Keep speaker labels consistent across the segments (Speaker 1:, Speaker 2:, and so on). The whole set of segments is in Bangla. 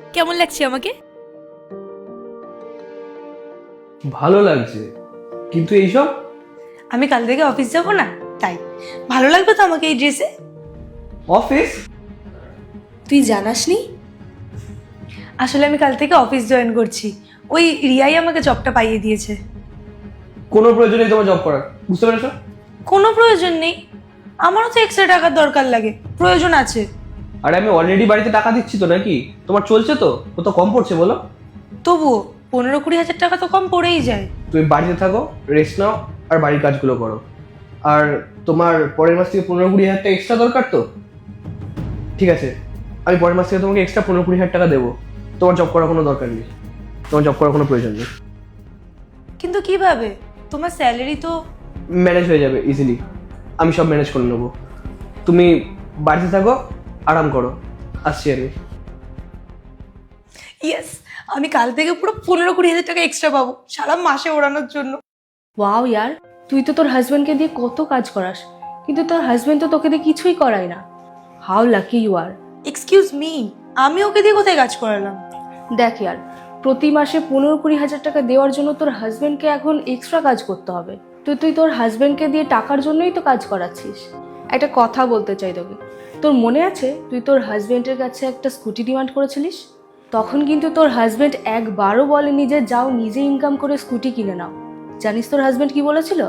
Speaker 1: কেমন লাগছে আমাকে?
Speaker 2: ভালো লাগছে, কিন্তু এইসব?
Speaker 1: আমি কাল থেকে অফিস যাব না, তাই ভালো লাগবে তো আমাকে এই ড্রেসে।
Speaker 2: অফিস?
Speaker 1: তুই জানাসনি? আসলে আমি কাল থেকে অফিস জয়েন করছি। ওই রিয়াই আমাকে জবটা পাইয়ে দিয়েছে।
Speaker 2: কোনো প্রয়োজন নেই তোমার জব করার, বুঝতে পেরেছো?
Speaker 1: কোনো প্রয়োজন নেই, আমারও তো এক্সট্রা টাকার দরকার লাগে, প্রয়োজন আছে।
Speaker 2: আরে আমি অলরেডি বাড়িতে টাকা দিচ্ছি তো, নাকি তোমার চলছে তো? ও তো কম পড়ছে বলো।
Speaker 1: তবুও 15-20 হাজার টাকা তো কম পড়েই যায়।
Speaker 2: তুমি বাড়িতে থাকো, রেস্ট নাও, আর বাড়ির কাজগুলো করো। আর তোমার পরের মাস থেকে 15-20 হাজার টাকা এক্সট্রা দরকার তো? ঠিক আছে, আমি পরের মাস থেকে তোমাকে এক্সট্রা 15-20 হাজার টাকা দেবো। তোমার জব করার কোনো দরকার নেই, তোমার জব করার কোনো প্রয়োজন নেই।
Speaker 1: কিন্তু কিভাবে? তোমার স্যালারি তো।
Speaker 2: ম্যানেজ হয়ে যাবে ইজিলি, আমি সব ম্যানেজ করে নেবো। তুমি বাড়িতে থাকো, আরাম করো, আসছি আমি।
Speaker 1: ইয়েস, আমি কাল থেকে পুরো 15-20 হাজার টাকা এক্সট্রা পাবো সারা মাসে ওড়ানোর জন্য।
Speaker 3: ওয়াও ইয়ার, তুই তো তোর হাজব্যান্ডকে দিয়ে কত কাজ করাস, কিন্তু তোর হাজব্যান্ড তো তোকে দিয়ে কিছুই করায় না। How lucky you are.
Speaker 1: Excuse me, আমি ওকে দিয়ে কোথায় কাজ করালাম?
Speaker 3: দেখ ইয়ার, প্রতি মাসে 15-20 হাজার টাকা দেওয়ার জন্য তোর হাজব্যান্ডকে এখন এক্সট্রা কাজ করতে হবে। তো তুই তোর হাজব্যান্ডকে দিয়ে টাকার জন্যই তো কাজ করাচ্ছিস। একটা কথা বলতে চাই তোকে, তোর মনে আছে তুই তোর হাজব্যান্ডের কাছে একটা স্কুটি ডিমান্ড করেছিলিস? তখন কিন্তু তোর হাজব্যান্ড একবারও বলেনি যে যাও নিজে ইনকাম করে স্কুটি কিনে নাও। জানিস তোর হাজব্যান্ড কি বলেছিল?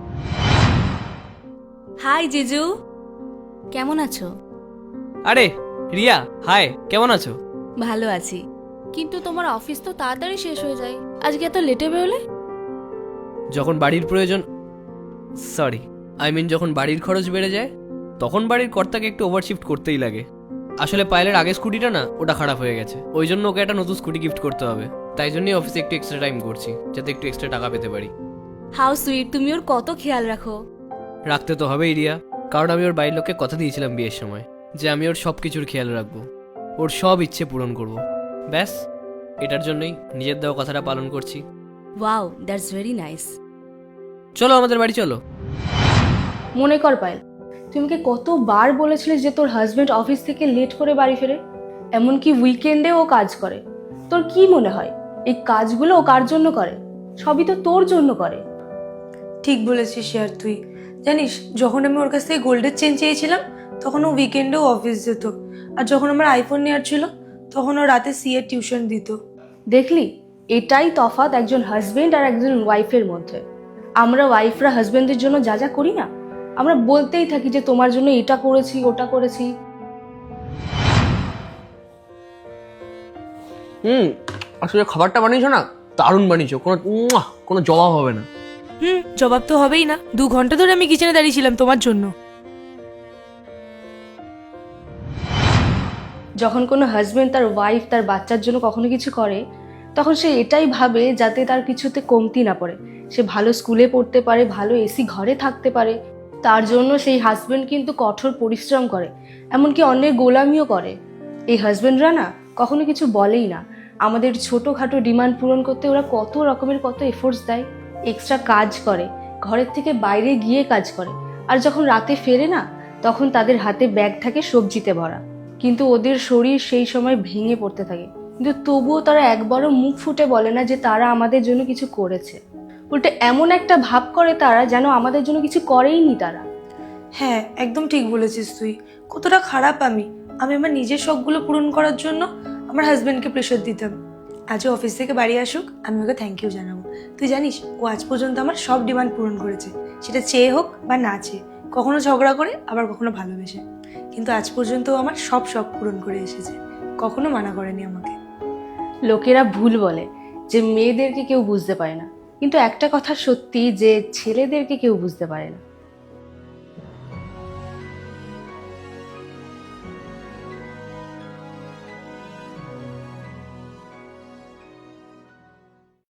Speaker 1: হাই জিজু, কেমন আছো?
Speaker 4: আরে রিয়া, হাই, কেমন আছো?
Speaker 1: ভালো আছি, কিন্তু তোমার অফিস তো তাড়াতাড়ি শেষ হয়ে যায়, আজকে এত লেটে বেরোলে?
Speaker 4: যখন বাড়ির প্রয়োজন, সরি আই মিন যখন বাড়ির খরচ বেড়ে যায়, তখন বাড়ির কর্তাকে একটু ওভারশিফট করতেই লাগে। আসলে পায়েলের আগের স্কুটিটা না, ওটা খারাপ হয়ে গেছে, ওই জন্য ওকে একটা নতুন স্কুটি গিফট করতে হবে। তাই জন্যই অফিসে একটু এক্সট্রা টাইম করছি, যাতে একটু এক্সট্রা টাকা পেতে পারি।
Speaker 1: হাউ সুইট, তুমি ওর কত খেয়াল রাখো।
Speaker 4: রাখতে তো হবেই রিয়া, কারণ আমি ওর বাড়ির লোককে কথা দিয়েছিলাম বিয়ের সময় যে আমি ওর সব কিছুর খেয়াল রাখবো, ওর সব ইচ্ছে পূরণ করব। ব্যাস, এটার জন্যই নিজের দেওয়া কথাটা পালন করছি।
Speaker 1: Wow, that's very nice.
Speaker 4: চলো আমাদের বাড়ি চলো।
Speaker 3: মনে কর পায়েল, তুই আমাকে কতবার বলেছিলিস যে তোর হাজবেন্ড অফিস থেকে লেট করে বাড়ি ফেরে, এমনকি উইকেন্ডে ও কাজ করে। তোর কি মনে হয় এই কাজগুলো ও কার জন্য করে? সবই তো তোর জন্য করে।
Speaker 1: ঠিক বলেছিস ইয়ার তুই। জানিস, যখন আমি ওর কাছ থেকে গোল্ডের চেন চেয়েছিলাম তখন ও উইকেন্ডেও অফিস যেত, আর যখন আমার আইফোন নেওয়ার ছিল তখন ও রাতে সিএ টিউশন দিত।
Speaker 3: দেখলি, এটাই তফাৎ একজন হাজবেন্ড আর একজন ওয়াইফের মধ্যে। আমরা ওয়াইফরা হাজবেন্ডের জন্য যা যা করি না, আমরা বলতেই থাকি যে তোমার জন্য এটা করেছি ওটা করেছি।
Speaker 2: আসলে খাবারটা বানিয়েছো না, দারুণ বানিয়েছো, কোনো জবাব হবে না।
Speaker 1: জবাব তো হবেই না, 2 ঘন্টা ধরে আমি কিচেনে দাঁড়িয়েছিলাম তোমার জন্য।
Speaker 3: যখন কোনো হাজবেন্ড তার ওয়াইফ তার বাচ্চার জন্য কখনো কিছু করে, তখন সে এটাই ভাবে যাতে তার কিছুতে কমতি না পড়ে, সে ভালো স্কুলে পড়তে পারে, ভালো এসি ঘরে থাকতে পারে। তার জন্য সেই হাজবেন্ড কিন্তু কঠোর পরিশ্রম করে, এমনকি অন্যের গোলামিও করে। এই হাজবেন্ডরা না কখনো কিছু বলেই না, আমাদের ছোটোখাটো ডিমান্ড পূরণ করতে ওরা কত রকমের কত এফোর্টস দেয়, এক্সট্রা কাজ করে, ঘরের থেকে বাইরে গিয়ে কাজ করে। আর যখন রাতে ফেরে না, তখন তাদের হাতে ব্যাগ থাকে সবজিতে ভরা, কিন্তু ওদের শরীর সেই সময় ভেঙে পড়তে থাকে, কিন্তু তবুও তারা একবারও মুখ ফুটে বলে না যে তারা আমাদের জন্য কিছু করেছে। উল্টে এমন একটা ভাব করে তারা যেন আমাদের জন্য কিছু করেইনি তারা।
Speaker 1: হ্যাঁ, একদম ঠিক বলেছিস তুই। কতটা খারাপ আমি আমি আমার নিজের শখগুলো পূরণ করার জন্য আমার হাজবেন্ডকে প্রেশার দিতাম। আজও অফিস থেকে বাড়ি আসুক, আমি ওকে থ্যাংক ইউ জানাবো। তুই জানিস, ও আজ পর্যন্ত আমার সব ডিমান্ড পূরণ করেছে, সেটা চেয়ে হোক বা না চেয়ে, কখনো ঝগড়া করে আবার কখনো ভালোবেসে, কিন্তু আজ পর্যন্ত ও আমার সব শখ পূরণ করে এসেছে, কখনো মানা করেনি আমাকে।
Speaker 3: লোকেরা ভুল বলে যে মেয়েদেরকে কেউ বুঝতে পারে না, কিন্তু একটা কথা সত্যি যে ছেলেদেরকে কেউ বুঝতে পারে না।